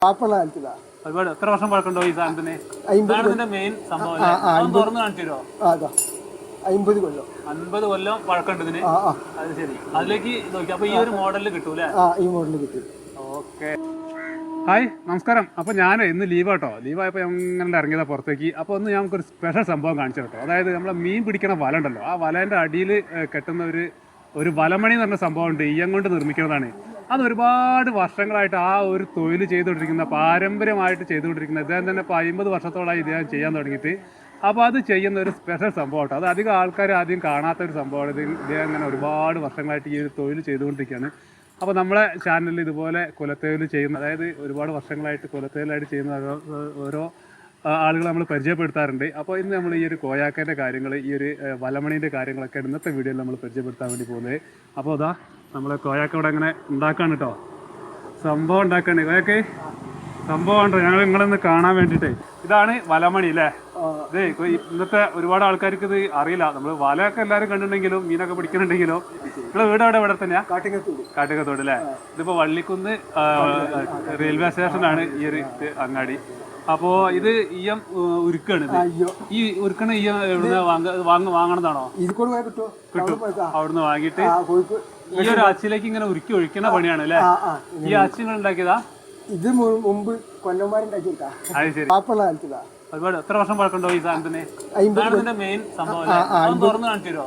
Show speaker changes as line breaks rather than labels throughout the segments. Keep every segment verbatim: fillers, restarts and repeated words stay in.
ഒരുപാട് എത്ര വർഷം പഴക്കമുണ്ടോ ഈ സാധനത്തിന്? സാധനത്തിന്റെ മെയിൻ സംഭവം തുറന്ന് കാണിച്ചു തരുമോ?
അമ്പത് കൊല്ലം
അൻപത് കൊല്ലം പഴക്കമുണ്ട് ഇതിന്. അത് ശരി, അതിലേക്ക് നോക്കി. അപ്പൊ ഈ ഒരു മോഡലിൽ കിട്ടൂലേ?
ഈ മോഡലിൽ കിട്ടും.
ഓക്കെ. ഹായ്, നമസ്കാരം. അപ്പോൾ ഞാൻ ഇന്ന് ലീവ് കേട്ടോ. ലീവായപ്പോൾ ഞങ്ങളുടെ ഇറങ്ങിയതാണ് പുറത്തേക്ക്. അപ്പോൾ ഒന്ന് ഞങ്ങൾക്കൊരു സ്പെഷ്യൽ സംഭവം കാണിച്ചു കേട്ടോ. അതായത് നമ്മളെ മീൻ പിടിക്കണ വല ഉണ്ടല്ലോ, ആ വലേൻ്റെ അടിയിൽ കെട്ടുന്ന ഒരു ഒരു വലമണി എന്ന് പറഞ്ഞ സംഭവമുണ്ട്. ഈയം കൊണ്ട് നിർമ്മിക്കുന്നതാണ്. അത് ഒരുപാട് വർഷങ്ങളായിട്ട് ആ ഒരു തൊഴിൽ ചെയ്തുകൊണ്ടിരിക്കുന്ന, പാരമ്പര്യമായിട്ട് ചെയ്തുകൊണ്ടിരിക്കുന്ന ഇദ്ദേഹം തന്നെ ഇപ്പോൾ അമ്പത് വർഷത്തോളമായി ഇദ്ദേഹം ചെയ്യാൻ തുടങ്ങിയിട്ട്. അപ്പോൾ അത് ചെയ്യുന്ന ഒരു സ്പെഷ്യൽ സംഭവം കേട്ടോ. അത് അധികം ആൾക്കാർ ആദ്യം കാണാത്ത ഒരു സംഭവമാണ്. ഇത് ഇദ്ദേഹം അങ്ങനെ ഒരുപാട് വർഷങ്ങളായിട്ട് ഈ ഒരു തൊഴിൽ ചെയ്തുകൊണ്ടിരിക്കുകയാണ്. അപ്പോൾ നമ്മളെ ചാനലിൽ ഇതുപോലെ കുലത്തൊഴിൽ ചെയ്യുന്ന, അതായത് ഒരുപാട് വർഷങ്ങളായിട്ട് കുലത്തൊഴിലായിട്ട് ചെയ്യുന്ന ഓരോ ഓരോ ആളുകൾ നമ്മൾ പരിചയപ്പെടുത്താറുണ്ട്. അപ്പോൾ ഇന്ന് നമ്മൾ ഈ ഒരു കോയാക്കേൻ്റെ കാര്യങ്ങൾ, ഈ ഒരു വലമണീൻ്റെ കാര്യങ്ങളൊക്കെ ഇന്നത്തെ വീഡിയോയിൽ നമ്മൾ പരിചയപ്പെടുത്താൻ വേണ്ടി പോകുന്നത്. അപ്പോൾ അതാ നമ്മളെ കോയാക്ക ഇവിടെ അങ്ങനെ ഉണ്ടാക്കാണ് കേട്ടോ. സംഭവം ഉണ്ടാക്കാണ് കോയാക്കെ. സംഭവം ഉണ്ടോ ഞങ്ങൾ നിങ്ങളൊന്ന് കാണാൻ വേണ്ടിയിട്ട്. ഇതാണ് വലമണി അല്ലേ? ഇത് ഇന്നത്തെ ഒരുപാട് ആൾക്കാർക്ക് ഇത് അറിയില്ല. നമ്മൾ വലയൊക്കെ എല്ലാവരും കണ്ടിട്ടുണ്ടെങ്കിലും മീനൊക്കെ പിടിക്കുന്നുണ്ടെങ്കിലും. നിങ്ങളെ വീട് അവിടെ ഇവിടെ തന്നെയാ? കാട്ടിക്കത്തോട് അല്ലേ? ഇതിപ്പോൾ വള്ളിക്കുന്ന് റെയിൽവേ സ്റ്റേഷനാണ് ഈ ഒരു അങ്ങാടി. അപ്പോൾ ഇത് ഈയം ഉരുക്കാണ്. ഈ ഉരുക്കണ ഈയം എവിടുന്ന് വാങ്ങ വാങ്ങണതാണോ? കിട്ടും. അവിടുന്ന് വാങ്ങിയിട്ട് ഈ ഒരു അച്ചിലേക്ക് ഇങ്ങനെ ഉരുക്കി ഒഴിക്കുന്ന പണിയാണ് അല്ലേ? ഈ അച്ചി നിങ്ങൾ ഉണ്ടാക്കിയതാ?
ഇത് മുമ്പ് കൊല്ലന്മാരുണ്ടാക്കിയതാ.
അത് ശരി. ഒരുപാട് എത്ര വർഷം പഴക്കമുണ്ടോ ഈ സാധനത്തിന്? സാധനത്തിന്റെ മെയിൻ സംഭവം തുറന്ന് കാണിച്ചു തരുമോ?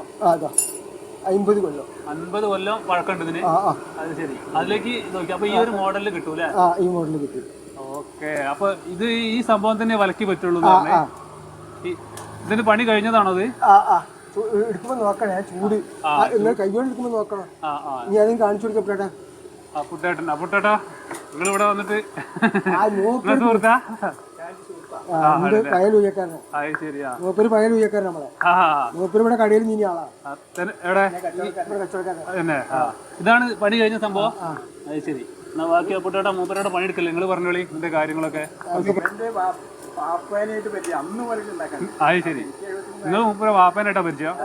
അമ്പത് കൊല്ലം
അൻപത് കൊല്ലം പഴക്കമുണ്ട് ഇതിന്. അത് ശരി, അതിലേക്ക് നോക്കി. അപ്പൊ ഈ ഒരു മോഡലിൽ കിട്ടൂലേ?
ഈ മോഡലിൽ കിട്ടും.
ഓക്കെ. അപ്പൊ ഇത് ഈ സംഭവം തന്നെ വലക്കി പറ്റുള്ളൂ. ഇതിന് പണി കഴിഞ്ഞതാണോ ഇത്?
എടുക്കുമ്പോ നോക്കണേ, ചൂട് കൈകൊണ്ട് എടുക്കുമ്പോ നോക്കണം. ഇനി അതും കാണിച്ചു കൊടുക്കപ്പെട്ടാ.
അപ്പുട്ടേട്ടൻ അപ്പുട്ടേട്ടാ നിങ്ങൾ ഇവിടെ വന്നിട്ട് സുഹൃത്താ?
പയൽ ഉയക്കാരനാ. മൂപ്പര് പയൽ ഉയക്കാരൻ നമ്മളെ. മൂപ്പര് ഇവിടെ കടയിൽ നീ ആളാ.
ഇതാണ് പണി കഴിഞ്ഞ സംഭവം. അത് ശരി. എന്നാ ബാക്കി അപ്പുട്ടേട്ടാ മൂപ്പരോടെ പണിയെടുക്കല്ലേ? നിങ്ങൾ പറഞ്ഞോളി ഇതിന്റെ കാര്യങ്ങളൊക്കെ. അത് ശരി, നിങ്ങൾ മൂപ്പര വാപ്പനായിട്ടാ പരിചയം?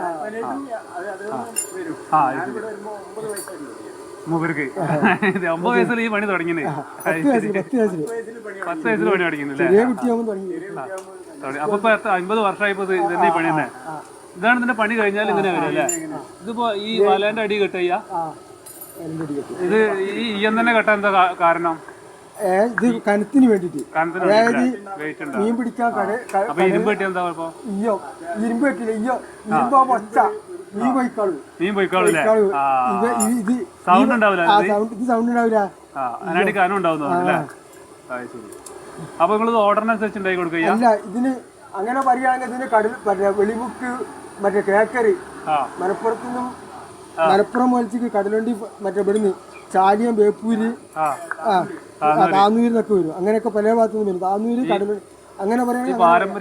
ആ മൂപ്പർക്ക് ഒമ്പത് വയസ്സിൽ ഈ പണി തുടങ്ങിയത്. പത്ത് വയസ്സിൽ പണി തുടങ്ങിയല്ലേ? അപ്പൊ ഇപ്പൊ അമ്പത് വർഷമായിപ്പോ ഇത് തന്നെ ഈ പണി തന്നെ. ഇതാണ് ഇതിന്റെ പണി കഴിഞ്ഞാൽ ഇങ്ങനെ വരും അല്ലേ? ഇതിപ്പോ ഈ വലേന്റെ അടി കെട്ടയ്യ, ഇത് ഈ ഈയം തന്നെ കെട്ടാൻ എന്താ കാരണം?
ഇത് കനത്തിന് വേണ്ടിട്ട്, അതായത് മീൻ പിടിക്കാൻ
അപ്പൊ ഇരുമ്പ് കെട്ടി എന്താ കുഴപ്പം?
ഇയ്യോ ഇരുമ്പ് കെട്ടില്ല. ഇയ്യോ ഇരുമ്പോ പൊച്ച മീൻ പോയിക്കാളൂ.
മീൻ പോയിക്കാളൂ.
ഇത്
സൗണ്ട് ഉണ്ടാവില്ല.
ഇത് സൗണ്ട് ഉണ്ടാവില്ല.
അതിനായിട്ട് കാനം ഉണ്ടാവുന്നല്ലേ? അപ്പൊ നിങ്ങൾ ഓർഡറിനനുസരിച്ച് ഉണ്ടാക്കി കൊടുക്കുക?
അല്ല, ഇതിന് അങ്ങനെ പറയുകയാണെങ്കിൽ ഇതിന് കടൽ മറ്റേ വെളിമുക്ക്, മറ്റേ കേക്കറി, മലപ്പുറത്തു നിന്നും മലപ്പുറം വലിച്ചിക്ക് കടലുണ്ടി, മറ്റേ ഇവിടുന്ന് ചാലിയം, ബേപ്പൂര്, താന്നൂരിന്നൊക്കെ വരും. അങ്ങനെയൊക്കെ പല ഭാഗത്തു നിന്നും വരും. താന്നൂര്, കടലുണ്ടി, അങ്ങനെ പറയുന്നത്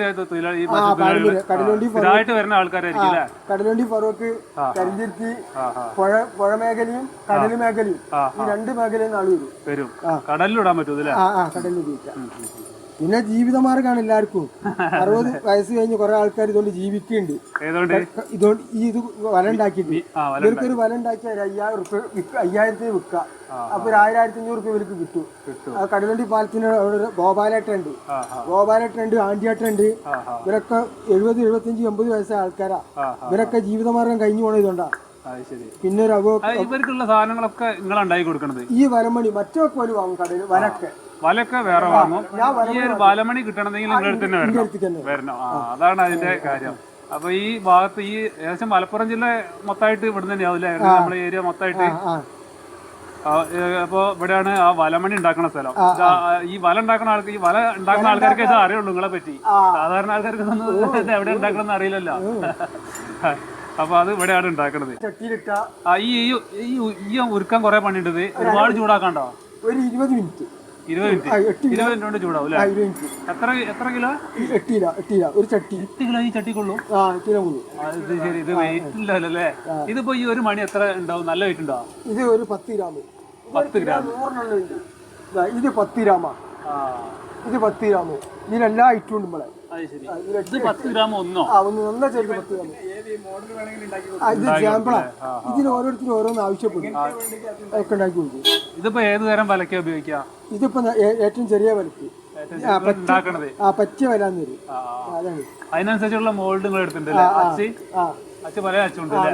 കടലുണ്ടി, ഫറോക്ക്, കരിഞ്ചിർത്തി, പുഴ പുഴ മേഖലയും കടൽ മേഖലയും, ഈ രണ്ട് മേഖലയിൽ ആള് വരും.
കടലിലിടാൻ പറ്റും.
ആ ആ കടലിൽ ഉപയോഗിക്കാം. പിന്നെ ജീവിതമാർഗമാണ് എല്ലാവർക്കും. അറുപത് വയസ്സ് കഴിഞ്ഞ് കുറെ ആൾക്കാർ ഇതുകൊണ്ട് ജീവിക്കുന്നുണ്ട്. ഇതുകൊണ്ട് ഈ ഇത് വല ഉണ്ടാക്കിയിട്ട് ഇവർക്കൊരു വല ഉണ്ടാക്കിയാൽ ഒരു അയ്യായിരം റുപ്യ വിൽക്കുക, അയ്യായിരത്തിന് വിൽക്കുക. അപ്പൊ ഒരു ആയിരം ആയിരത്തി അഞ്ഞൂറ് റുപ്യ ഇവർക്ക് കിട്ടും. ആ കടലുണ്ടി പാലത്തിന് അവിടെ ഗോപാലേട്ടുണ്ട്, ഗോപാലേട്ടുണ്ട്, ആണ്ടിയേട്ടുണ്ട്. ഇവരൊക്കെ എഴുപത് എഴുപത്തിയഞ്ച് എൺപത് വയസ്സായ ആൾക്കാരാ. ഇവരൊക്കെ ജീവിതമാർഗം കഴിഞ്ഞു പോണത് ഇതുകൊണ്ടാ. പിന്നെ ഒരു
ഇവർക്കുള്ള സാധനങ്ങളൊക്കെ നിങ്ങൾ ഉണ്ടാക്കി കൊടുക്കണത്
ഈ വലമണി മറ്റൊക്കെ പോലും വാങ്ങും കടയിൽ. വലക്കെ
വലൊക്കെ വേറെ വാങ്ങും. ഈ ഒരു വലമണി കിട്ടണമെങ്കിൽ നിങ്ങളുടെ അടുത്ത് തന്നെ വരണം. ആ അതാണ് അതിന്റെ കാര്യം. അപ്പൊ ഈ ഭാഗത്ത് ഈ ഏകദേശം മലപ്പുറം ജില്ല മൊത്തമായിട്ട് ഇവിടെ തന്നെയാവില്ലേ? നമ്മുടെ ഏരിയ മൊത്തമായിട്ട്. അപ്പൊ ഇവിടെയാണ് ആ വലമണി ഉണ്ടാക്കുന്ന സ്ഥലം. ഈ വല ഉണ്ടാക്കുന്ന ആൾക്ക്, ഈ വല ഉണ്ടാക്കുന്ന ആൾക്കാർക്ക് ഇത് അറിയുള്ളൂ നിങ്ങളെ പറ്റി. സാധാരണ ആൾക്കാർക്ക് ഇതൊന്നും എവിടെ ഉണ്ടാക്കണമെന്ന് അറിയില്ലല്ലോ. അപ്പൊ അത് ഇവിടെയാണ് ഉണ്ടാക്കണത്. ഈ ഈ ഉരുക്കാൻ കുറെ പണിയുണ്ടത്. ഒരുപാട് ചൂടാക്കണ്ടോ?
ഒരു ഇരുപത് മിനിറ്റ്
ഇരുപത് മിനിറ്റ് ഇരുപത് മിനിറ്റ് കൊണ്ട് ചൂടാവും അല്ലേ? എത്ര എത്ര കിലോ?
എട്ട് കിലോ എട്ട് കിലോ ഒരു ചട്ടി.
എട്ട് കിലോ ഈ ചട്ടിക്കുള്ളൂ? ഇത് ശരി, ഇത് വെയിറ്റ് ഇല്ലല്ലോ അല്ലേ? ഇതിപ്പോ ഈ ഒരു മണി എത്ര ഉണ്ടാവും? നല്ല വെയിറ്റ് ഉണ്ടോ?
ഇത് ഒരു പത്ത് ഗ്രാം.
പത്ത് ഗ്രാം
ഇത് പത്ത് ഗ്രാമാ. ഇത് പത്ത് ഗ്രാം. ഇതിലെല്ലാ ഐറ്റവും ഉണ്ട് നമ്മളെ.
പത്ത് ഗ്രാം ഒന്നോ?
ഒന്ന് ഒന്നാ ചേർത്ത് പത്ത് ഗ്രാം. ഇത് സാമ്പിളാ. ഇതിന് ഓരോരുത്തരും ഓരോന്ന് ആവശ്യപ്പെടും ഒക്കെ ഉണ്ടാക്കി കൊടുക്കും.
ഇതിപ്പോ ഏത് തരം വലക്കാ ഉപയോഗിക്കാം?
ഇതിപ്പോ ഏ- ഏറ്റവും ചെറിയ വലക്ക് ആ പച്ച
ഉണ്ടാക്കണത്
ആ പച്ച വലാന്ന് വരും. അതാണ്.
അതിനനുസരിച്ചുള്ള മോൾഡ് നിങ്ങൾ എടുത്തിട്ടുണ്ടല്ലേ? അച്ച്
ആ
അച്ഛ പല അച്ചുണ്ടല്ലേ?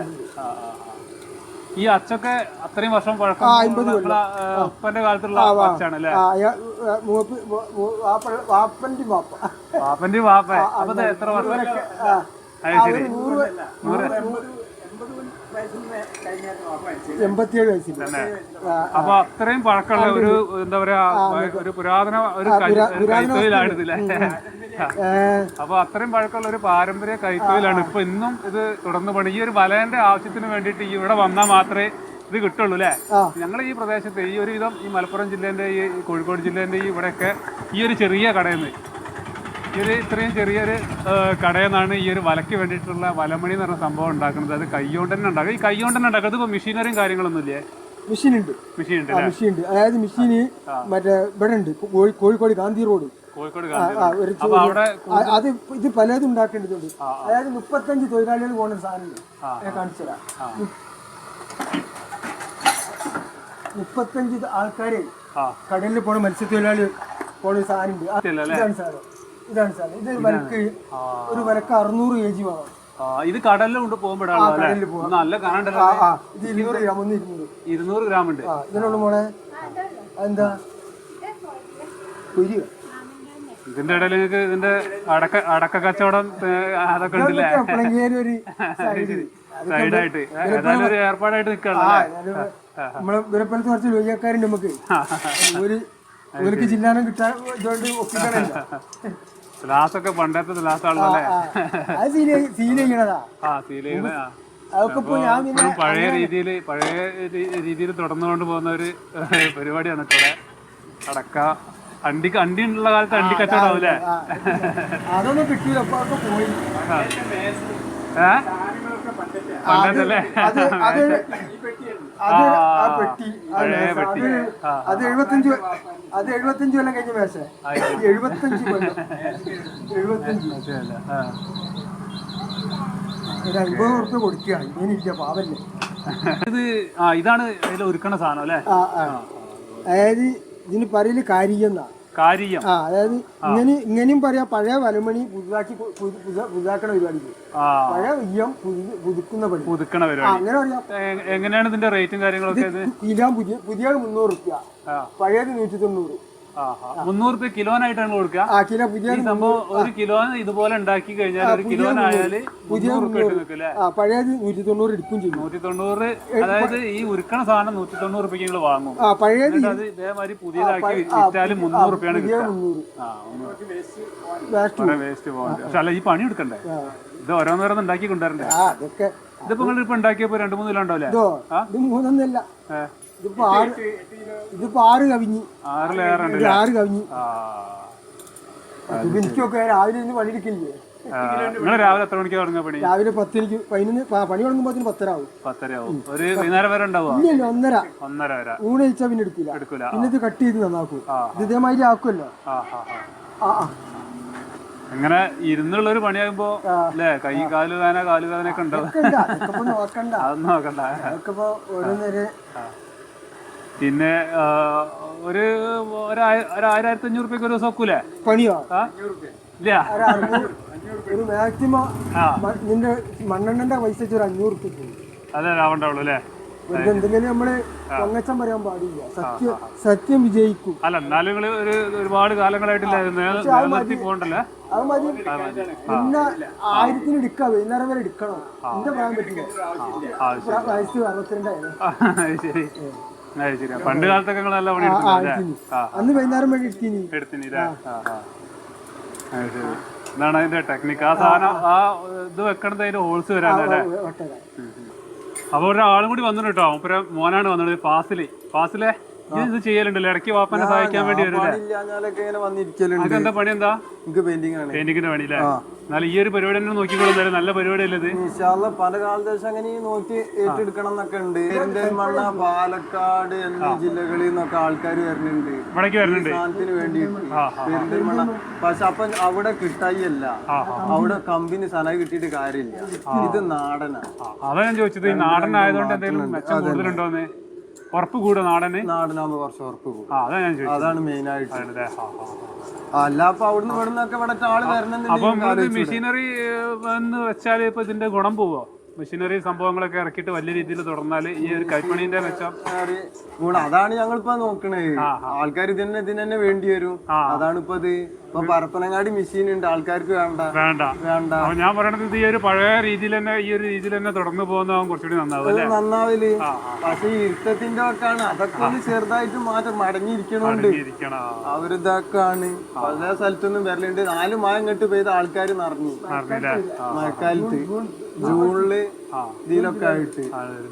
ഈ അച്ചൊക്കെ അത്രയും വർഷം പഴക്കം ഉപ്പന്റെ കാലത്തുള്ള അച്ചാണ് അല്ലേ?
ആ, അയാ- ആ, മൂപ്പ് മൂ- മൂ- വാപ്പ- വാപ്പന്റെ വാപ്പ
പാപ്പന്റെ വാപ്പ. അപ്പൊ ഇത് എത്ര വർഷം?
ആ,
അത്
ആ,
ശരി.
ഒരു നൂറ് വ- നൂറ് നൂറ് എൺപത്തിയേഴ് വയസ്സിൽ
അപ്പൊ അത്രയും പഴക്കമുള്ള ഒരു എന്താ പറയാ ഒരു പുരാതന ഒരു കൈ- ഒരു കൈത്തൊഴിലാണ് ഇതില്ലേ? അപ്പൊ അത്രയും പഴക്കമുള്ള ഒരു പാരമ്പര്യ കൈത്തൊഴിലാണ്. ഇപ്പൊ ഇന്നും ഇത് തുടർന്ന് പണി. ഈ ഒരു വലേന്റെ ആവശ്യത്തിന് വേണ്ടിയിട്ട് ഈ ഇവിടെ വന്നാൽ മാത്രമേ ഇത് കിട്ടുള്ളൂ അല്ലേ? ഞങ്ങൾ ഈ പ്രദേശത്ത് ഈ ഒരു വിധം ഈ മലപ്പുറം ജില്ലേന്റെ ഈ കോഴിക്കോട് ജില്ലേന്റെ ഈ ഇവിടെയൊക്കെ ഈ ഒരു ചെറിയ കടയിൽ നിന്ന് ഈ ഒരു ഇത്രയും ചെറിയൊരു കടയിൽ നിന്നാണ് ഈ ഒരു വലയ്ക്ക് വേണ്ടിയിട്ടുള്ള വലമണി എന്ന് പറഞ്ഞ സംഭവം ഉണ്ടാക്കുന്നത്. അത് കൈകൊണ്ട് തന്നെ ഉണ്ടാക്കും. ഈ കൈകൊണ്ട് തന്നെ ഉണ്ടാക്കുന്നത് ഇപ്പൊ മെഷീനറിയും കാര്യങ്ങളൊന്നും ഇല്ലേ?
മെഷീൻ ഉണ്ട്.
മെഷീൻ ഉണ്ട്
മെഷീൻ ഉണ്ട്. അതായത് മെഷീന് മറ്റേ ഇവിടെ ഉണ്ട് കോഴി- കോഴിക്കോട് ഗാന്ധി റോഡ്.
കോഴിക്കോട്
ആ, ഒരു ചെ-
അപ്പൊ അവിടെ
ആ, അത് ഇത് പലതും ഉണ്ടാക്കേണ്ടതുണ്ട്. അതായത് മുപ്പത്തഞ്ച് തൊഴിലാളികൾ പോകുന്ന സാധനമുണ്ട്. ഞാൻ കാണിച്ചു തരാം. മുപ്പത്തഞ്ച് ആൾക്കാരെ കടലിൽ പോണ മത്സ്യത്തൊഴിലാളി പോണ ഒരു സാധനമുണ്ട്. ആ, ഇതാണ് സാധനം. ഇതാണ് സാധനം. ഇത് വലക്ക് ഒരു വലക്ക് അറുന്നൂറ് കെ ജി വേണം.
ഇത് കടലിൽ കൊണ്ട് പോകുമ്പോഴാണ് നല്ല കാണണ്ടല്ലോ.
ആ, ഇത് ഇരുന്നൂറ് ഗ്രാം ഒന്ന് ഇരുന്നൂറ്
ഇരുന്നൂറ് ഗ്രാം ഉണ്ട്.
ആ, ഇതിനുള്ള മോളെ എന്താ കുരി
ഇതിന്റെ ഇടയിൽ നിങ്ങൾക്ക് ഇതിന്റെ അടക്ക അടക്ക കച്ചവടം അതൊക്കെ ഉണ്ടല്ലേ?
ഒരു
സൈഡായിട്ട് ഏതായാലും ഒരു ഏർപ്പാടായിട്ട് നിൽക്കണം.
നമ്മളെ വിലപ്പലത്ത് കുറച്ച് ലോയ്യക്കാരുണ്ട് നമുക്ക്. ഒരു ഇവർക്ക് ജില്ലാനം കിട്ടാൻ ഇതുകൊണ്ട് ഒപ്പിക്കണല്ലോ.
ഗ്ലാസൊക്കെ പണ്ടത്തെ ഗ്ലാസ് ആണല്ലേ?
അത് സീൽ സീൽ ചെയ്യണതാ.
ആ സീൽ ചെയ്യണ.
അതൊക്കെ ഇപ്പൊ ഞാൻ പിന്നെ
പഴയ രീതിയിൽ പഴയ രീതിയിൽ തുടർന്നുകൊണ്ട് പോകുന്ന ഒരു പരിപാടിയാണ് ഇവിടെ. അടക്ക അണ്ടി അണ്ടി ഉള്ള കാലത്ത് അണ്ടി കച്ചവടം ആവൂലേ?
അതൊന്നും കിട്ടിയില്ല. അപ്പൊ അതൊക്കെ പോയി.
ഏഹ് പണ്ടല്ലേ?
അത് അത് അത് ആ പെട്ടി അത് അത് എഴുപത്തഞ്ച് അത് എഴുപത്തഞ്ച് കൊല്ലം കഴിഞ്ഞ മേശ. എഴുപത്തഞ്ച് കൊല്ലം എഴുപത്തഞ്ച് ഒരു അമ്പത് ഉറുപ്പ്യ കൊടുക്കുക. ഇങ്ങനെയില്ല പാവല്ലേ.
ഇത് ആ ഇതാണ് അതിൽ ഒരുക്കണ സാധനം അല്ലേ?
ആ ആ അതായത് ഇതിന് പറയല് കാരിയെന്നാ.
കാര്യം.
ആ അതായത് ഇങ്ങനെ ഇങ്ങനെയും പറയാം. പഴയ വലമണി പുതുതാക്കി പുതുതാക്കണ പരിപാടിക്ക് പഴയ ഉയ്യം പുതുക്കുന്ന പണി
പുതുക്കണ പരിപാടി.
അങ്ങനെ പറയാം.
എങ്ങനെയാണ് ഇതിന്റെ റേറ്റും കാര്യങ്ങളൊക്കെ?
കിലോ പുതിയ പുതിയ മുന്നൂറ് റുപ്യ, പഴയത് നൂറ്റി തൊണ്ണൂറ്.
മുന്നൂറ് രൂപ കിലോനായിട്ടാണ് കൊടുക്കുക.
ആ കിലോ പുതിയ
സംഭവം ഒരു കിലോ ഇതുപോലെ ഉണ്ടാക്കി കഴിഞ്ഞാൽ ഒരു കിലോനായാല്
പുതിയ പഴയത് നൂറ്റി തൊണ്ണൂറ് എടുക്കും ചെയ്യും.
നൂറ്റി തൊണ്ണൂറ് അതായത് ഈ ഉരുക്കണ സാധനം നൂറ്റി തൊണ്ണൂറ് രൂപയ്ക്ക് നിങ്ങൾ വാങ്ങും.
ആ പഴയത്
അത് ഇതേമാതിരി പുതിയതാക്കി വിറ്റാലും മുന്നൂറ് രൂപയാണ് വേസ്റ്റ് പോകുന്നത്. പക്ഷെ അല്ല ഈ പണി എടുക്കണ്ടേ? ഇത് ഓരോന്നോരോന്ന് ഉണ്ടാക്കി കൊണ്ടുവരണ്ടേ?
അതൊക്കെ
ഇതിപ്പോ നിങ്ങൾ ഇപ്പൊ ഉണ്ടാക്കിയപ്പോ രണ്ടു മൂന്ന് കിലോ ഉണ്ടാവില്ലേ?
ഇത് മൂന്നൊന്നല്ല. ഇതിപ്പോ ആറ് ഇതിപ്പോ ആറ് കവിഞ്ഞ്
ആറിലേറെ
ആറ് കവിഞ്ഞ്. എനിക്കൊക്കെ രാവിലെ ഇന്ന് പണിയെടുക്കില്ലേ?
നിങ്ങൾ രാവിലെ എത്ര മണിക്ക് തുടങ്ങുക പണി?
രാവിലെ പത്തിനിക്ക് പതിനൊന്ന് പണി തുടങ്ങുമ്പോ പത്തര ആവും.
പത്തര ആവും. ഒരു വൈകുന്നേരം വരെ ഉണ്ടാവും.
ഇല്ലല്ലോ ഒന്നര
ഒന്നര വരെ.
ഊണ് കഴിച്ചാൽ പിന്നെ എടുക്കില്ല.
എടുക്കൂല.
പിന്നെ ഇത് കട്ട് ചെയ്ത് നന്നാക്കും. ഇത് ഇതേമാതിരി ആക്കുമല്ലോ. ആ ആ
അങ്ങനെ ഇരുന്നുള്ള ഒരു പണിയാകുമ്പോ അല്ലേ കൈ കാല് വേദന കാല് വേദന ഒക്കെ ഉണ്ടാവും.
നോക്കണ്ട
അതൊന്നും നോക്കണ്ട.
അതൊക്കെ ഇപ്പൊ ഓരോന്നേരെ.
പിന്നെ ഒരു ഒരായിരത്തി അഞ്ഞൂറ് റുപ്യക്ക് ഒരു ദിവസം വെക്കൂലേ
പണിയോ?
ഇല്ല
ഒരു മാക്സിമം നിന്റെ മണ്ണെണ്ണന്റെ പൈസ ഒരു അഞ്ഞൂറ് റുപ്യ
അതെ ആവണ്ടാവുള്ളൂ അല്ലേ?
എന്തെങ്കിലും നമ്മള് പൊങ്ങച്ചം പറയാൻ പാടില്ല. സത്യം സത്യം വിജയിക്കും.
അല്ല എന്നാലും നിങ്ങള് ഒരു ഒരുപാട് കാലങ്ങളായിട്ടില്ല നിലനിർത്തി പോകണ്ടല്ലേ?
അത് മതി. പിന്നെ ആയിരത്തിന് എടുക്കാം. വൈകുന്നേരം വരെ എടുക്കണം. എന്റെ പ്രായം പറ്റില്ല. വയസ്സ് അറുപത്തിരണ്ടായിരുന്നു.
ശരി ശരി. പണ്ട് കാലത്തൊക്കെ നിങ്ങൾ നല്ല പണി
അന്ന് വൈകുന്നേരം വരെ എടുത്തിന്
എടുത്തിന് ഇതാണ് അതിന്റെ ടെക്നിക്ക്. ആ സാധനം ആ ഇത് വെക്കണത് അതിന്റെ ഹോൾസ് വരാനല്ലേ? അപ്പൊ ഒരാളും കൂടി വന്നിട്ട് കേട്ടോ. മൂപ്പര മോനാണ് വന്നത്. ഫാസില് ഫാസിലെ ഇത് ചെയ്യലുണ്ടല്ലോ ഇടയ്ക്ക് വാപ്പനെ സഹായിക്കാൻ വേണ്ടി വരും.
ഇല്ലാഞ്ഞാലൊക്കെ ഇങ്ങനെ വന്നിരിക്കലുണ്ട്.
എന്താ പണി എന്താ?
എനിക്ക് പെയിന്റിംഗ് ആണ്.
പെയിന്റിങ്ങിന്റെ പണിയില്ലേ? എന്നാലും ഈ ഒരു പരിപാടി തന്നെ നോക്കിക്കൊള്ളുന്നത് നല്ല പരിപാടിയല്ലേ ഇത്?
ഇൻഷാല്ലാ പല കാലദേശം അങ്ങനെ നോക്കി ഏറ്റെടുക്കണം എന്നൊക്കെ ഉണ്ട്. പെരിന്തൽമണ്ണ, പാലക്കാട് എന്നീ ജില്ലകളിൽ നിന്നൊക്കെ ആൾക്കാർ വരുന്നുണ്ട്
ഇവിടേക്ക് വരുന്നുണ്ട്
സാധനത്തിന് വേണ്ടിയിട്ട്. പെരിന്തൽമണ്ണ പക്ഷെ അപ്പൊ അവിടെ കിട്ടായില്ല, അവിടെ കമ്പനി സാധനം കിട്ടിയിട്ട് കാര്യമില്ല. ഇത് നാടനാണ്.
അതാ ഞാൻ ചോദിച്ചത്, ഈ നാടനായതുകൊണ്ട് എന്തെങ്കിലും മെച്ചം കൂടുതലുണ്ടോന്ന്? ഉറപ്പ് കൂടുക നാടന്?
നാടനാകുമ്പോ കുറച്ച് ഉറപ്പ് കൂടും.
അതാ ഞാൻ ചോദിച്ചത്.
അതാണ് മെയിൻ ആയിട്ട്. അല്ല അപ്പൊ അവിടുന്ന് ഇവിടുന്നൊക്കെ ഇവിടെ ആള് വരണം.
അപ്പം മെഷീനറി എന്ന് വെച്ചാൽ ഇപ്പൊ ഇതിന്റെ ഗുണം പോവോ? മെഷീനറി സംഭവങ്ങളൊക്കെ ഇറക്കിയിട്ട് വലിയ രീതിയിൽ തുടർന്നാൽ ഈ ഒരു കൈപ്പണീന്റെ മെച്ചം
ഗുണം അതാണ് ഞങ്ങളിപ്പോ നോക്കണേ. ആൾക്കാർ ഇതിനെ ഇതിന് തന്നെ വേണ്ടി വരും. അതാണ് ഇപ്പൊ ഇത്. ഇപ്പൊ പരപ്പനങ്ങാടി മെഷീൻ ഉണ്ട്, ആൾക്കാർക്ക് വേണ്ട
വേണ്ട
വേണ്ട
ഞാൻ പറയണത് ഇത് ഈ ഒരു പഴയ രീതിയിൽ തന്നെ ഈ ഒരു രീതിയിൽ തന്നെ തുടർന്ന് പോകുന്നതാവും കുറച്ചുകൂടി നന്നാവും.
നന്നാവില്. പക്ഷെ ഈ ഇരുത്തത്തിന്റെ ഒക്കെ ആണ്, അതൊക്കെ ഒന്ന് ചെറുതായിട്ട് മാറ്റം മടങ്ങിയിരിക്കണോണ്ട് അവരിതൊക്കെയാണ്. പല സ്ഥലത്തൊന്നും വരലുണ്ട്. നാല് മഴ ഇങ്ങോട്ട് പെയ്ത ആൾക്കാർ നിറഞ്ഞു മഴക്കാലത്ത് ജൂണില് ഇതിലൊക്കെ ആയിട്ട്.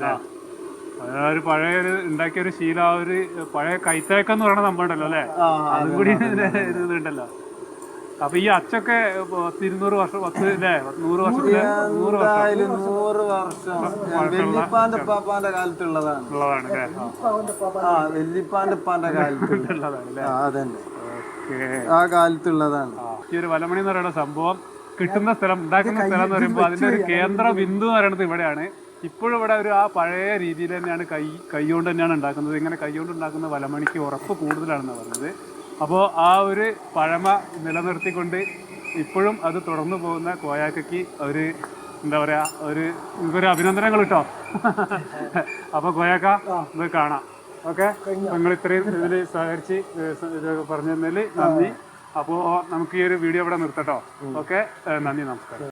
ഒരു പഴയ ഒരു ഉണ്ടാക്കിയ ഒരു ശീല, ഒരു പഴയ കൈത്തേക്കെന്ന് പറയുന്ന സംഭവം ഉണ്ടല്ലോ അല്ലെ, അതും കൂടി ഇതുണ്ടല്ലോ. അപ്പൊ ഈ അച്ചൊക്കെ പത്തിരുന്നൂറ് വർഷം പത്ത് അല്ലേ നൂറ് വർഷത്തില് നൂറ് വർഷം
നൂറ് വർഷം വെല്ലിപ്പാന്റെ ഉപ്പാപ്പാന്റെ കാലത്തുള്ളതാണ്
ഉള്ളതാണ് അല്ലേ?
ആ വെല്ലിപ്പാന്റെ ഉപ്പാന്റെ കാലത്തുള്ളതാണ്
അല്ലേ?
അതന്നെ ആ കാലത്തുള്ളതാണ്.
ഈ ഒരു വലമണി എന്ന് പറയുന്ന സംഭവം കിട്ടുന്ന സ്ഥലം, ഉണ്ടാക്കുന്ന സ്ഥലം എന്ന് പറയുമ്പോൾ അതിന്റെ ഒരു കേന്ദ്ര ബിന്ദു എന്ന് പറയുന്നത് ഇവിടെയാണ്. ഇപ്പോഴും ഇവിടെ ഒരു ആ പഴയ രീതിയിൽ തന്നെയാണ് കൈ കൈകൊണ്ട് തന്നെയാണ് ഉണ്ടാക്കുന്നത്. ഇങ്ങനെ കൈകൊണ്ട് ഉണ്ടാക്കുന്ന വലമണിക്ക് ഉറപ്പ് കൂടുതലാണെന്ന് പറയുന്നത്. അപ്പോൾ ആ ഒരു പഴമ നിലനിർത്തിക്കൊണ്ട് ഇപ്പോഴും അത് തുടർന്നു പോകുന്ന കോയാക്കയ്ക്ക് ഒരു എന്താ പറയുക ഒരു ഒരു അഭിനന്ദനങ്ങൾ കേട്ടോ. അപ്പോൾ കോയാക്ക ഇത് കാണാം. ഓക്കെ, നിങ്ങൾ ഇത്രയും ഇതിൽ സഹകരിച്ച് ഇത് പറഞ്ഞു തന്നതിൽ നന്ദി. അപ്പോൾ നമുക്ക് ഈ ഒരു വീഡിയോ ഇവിടെ നിർത്തട്ടോ. ഓക്കെ, നന്ദി, നമസ്കാരം.